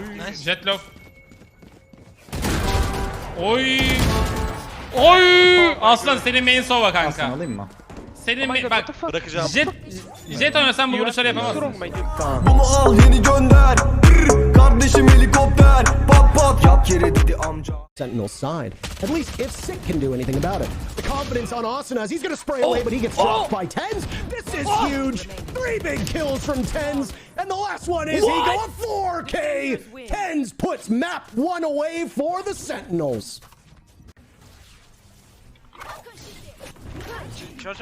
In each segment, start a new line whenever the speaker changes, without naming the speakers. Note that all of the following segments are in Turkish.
Nice.
Jet low. Oy. Oy. Aslan senin main sova kanka.
Aslan alayım mı?
Senin bak.
Bırakacağım.
Jet oynasan bu vuruşları yapamazsın.
Bunu al yeni gönder. Kardeşim helikopter. Pat pat yap yere dedi amca.
Sentinel's side. At least if Sick can do anything about it. The confidence on Asuna as he's gonna spray away, but he gets dropped by Tens. This is huge. 3 big kills from Tens, and the last one is he going 4K. Tens puts map 1 away for the Sentinels.
Şur.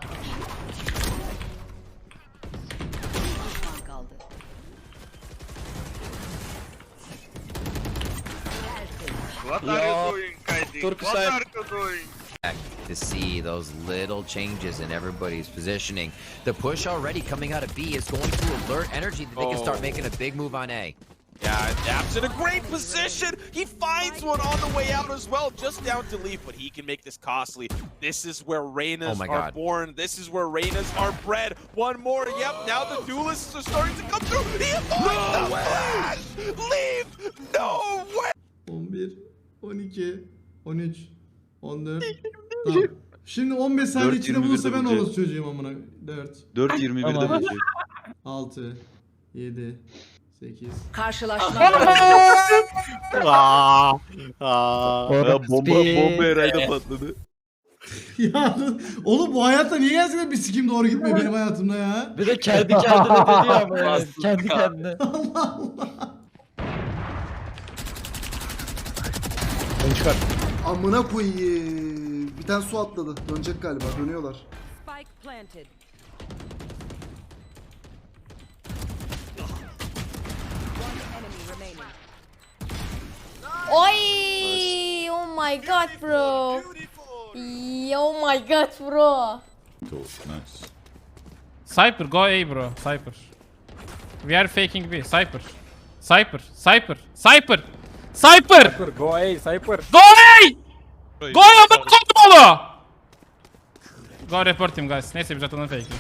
What are you doing, Kaidi? What are you doing?
To see those little changes in everybody's positioning. The push already coming out of B is going to alert energy that they can start making a big move on A.
Yeah, Daps in a great position. He finds one on the way out as well, just down to leaf, but he can make this costly. This is where Reynas are born. This is where Reynas are bred. One more. Yep, now the duelists are starting to come through. He avoids the flash. Leaf, no way.
11, 12, 13, 14. Tamam. Şimdi 15 saniye içinde bulursa ben orası çocuğum amına. 4.
4.21'de bulacak.
6, 7, 8.
Karşılaşma.
Bomba herhalde patladı.
Ya oğlum bu hayatta niye gerçekten bir sikim doğru gitmiyor benim hayatımda ya?
Bir de kendi kendine dedi ya ama yani. Kendi kendine.
Allah Allah.
Onu çıkar.
Amına koyayım. Bir tane su atladı. Dönecek galiba. Dönüyorlar.
Spike planted.
Oy! Oh my god, bro. Oh my god, bro.
Nice.
Cypher go A bro. Cypher. We are faking B. Cypher. Cypher. Cypher. Cypher. Cypher.
Go A, Cypher.
Go A! Go A ama koydum onu. Go report him guys. Neyse biz atalım fake'i.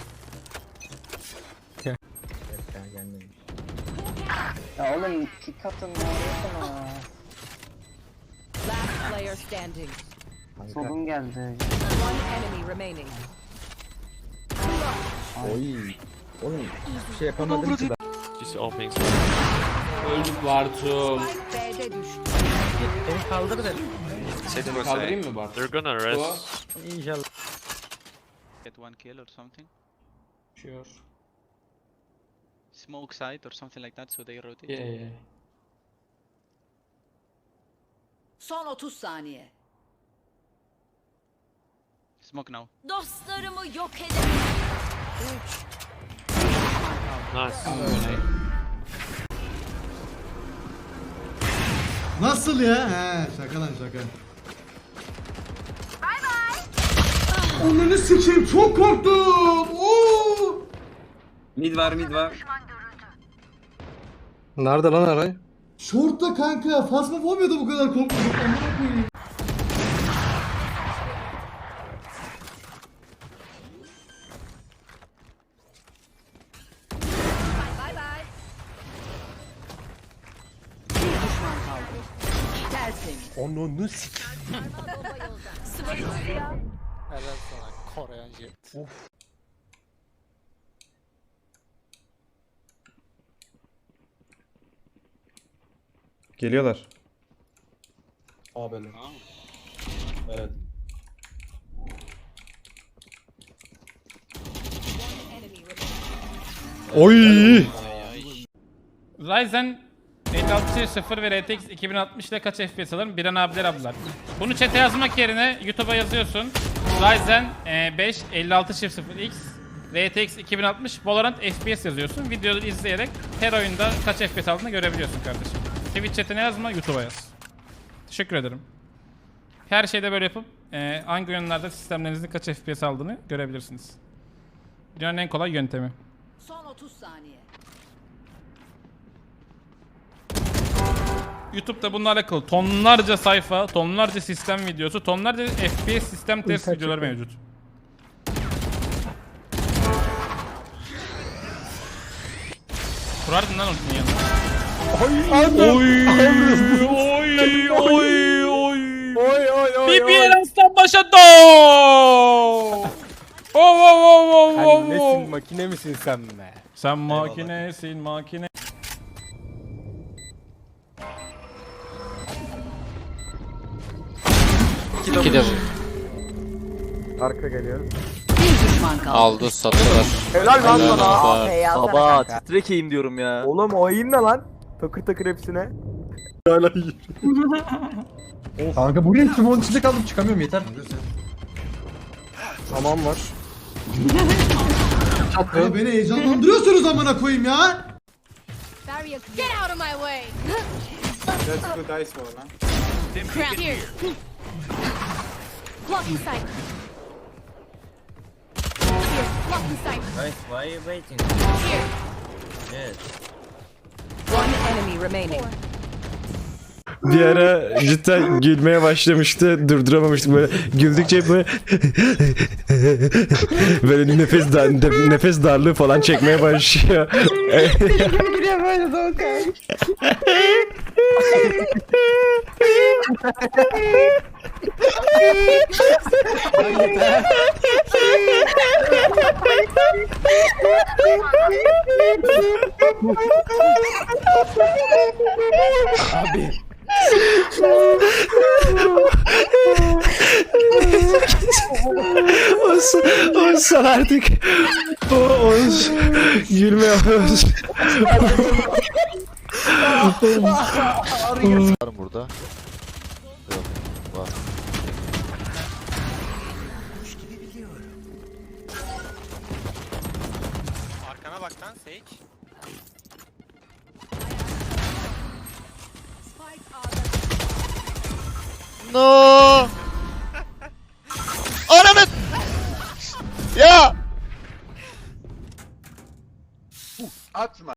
Ya oğlum kick atın ne oluyorsun?
Last player standing.
Solum geldi.
One enemy remaining.
Oy. Oğlum hiçbir şey yapamadım ki ben.
Just opening.
Öldük Bartu.
B'de düştü.
Beni kaldır dedim.
Kaldırayım mı Bartu?
They're gonna rest.
İnşallah.
Get one kill or something.
Sure.
Smoke side or something like that so they rotate.
Yeah.
Son 30 saniye.
Smoke now.
Dostlarımı yok edemem.
Nice.
Nasıl ya? He şaka lan şaka. Bay bay. Onunu sikeyim çok korktum. Oo!
Mid var.
Nerede lan Aray?
Short'ta kanka. Phasmophobia bu kadar korkmadım. Amına koyayım.
Bay bay. Bir düşman kaldı. Tertemiz.
Onu sik.
Helal sana Koreyan jet.
Geliyorlar.
Abi. Evet.
Oy!
Ryzen 5600 ve RTX 2060 ile kaç FPS alırım? Biren abiler ablar. Bunu chat'e yazmak yerine YouTube'a yazıyorsun. Ryzen 5 5600X RTX 2060 Valorant FPS yazıyorsun. Videoları izleyerek her oyunda kaç FPS aldığını görebiliyorsun kardeşim. Twitch chat'ine yazma, YouTube'a yaz. Teşekkür ederim. Her şeyde böyle yapıp hangi oyunlarda sistemlerinizin kaç FPS aldığını görebilirsiniz. Dünyanın en kolay yöntemi.
Son 30 saniye.
YouTube'da bununla alakalı tonlarca sayfa, tonlarca sistem videosu, tonlarca FPS sistem test videoları mevcut. Kurardın lan ultinin yanına. BBL aslan başa do.
Nesin makine misin sen be?
Sen makinesin makine.
İki de bu. Arka geliyor.
Bir düşman kaldı.
Aldı sattılar. Helal lan sana. Baba titrekeyim diyorum ya. Oğlum o iyiyim ne lan? Takır takır hepsine. Hala iyi.
Kanka buraya Timon içinde kaldım çıkamıyorum yeter.
Tamam var.
Ya beni heyecanlandırıyorsunuz amına koyayım ya.
Get out of my way.
That's good dice var lan.
Here. Blocking sight. Here. Blocking sight.
Guys, why are you waiting?
Here.
Yes.
One enemy remaining.
Bir ara cidden gülmeye başlamıştı. Durduramamıştım böyle. Güldükçe böyle böyle nefes darlığı falan çekmeye başlıyor.
Abi.
Olsun artık. Gülme yapıyoruz.
Var burada. Yok. Var.
Arkana bak lan Sage.
No. Ananı. Ya.
Atma.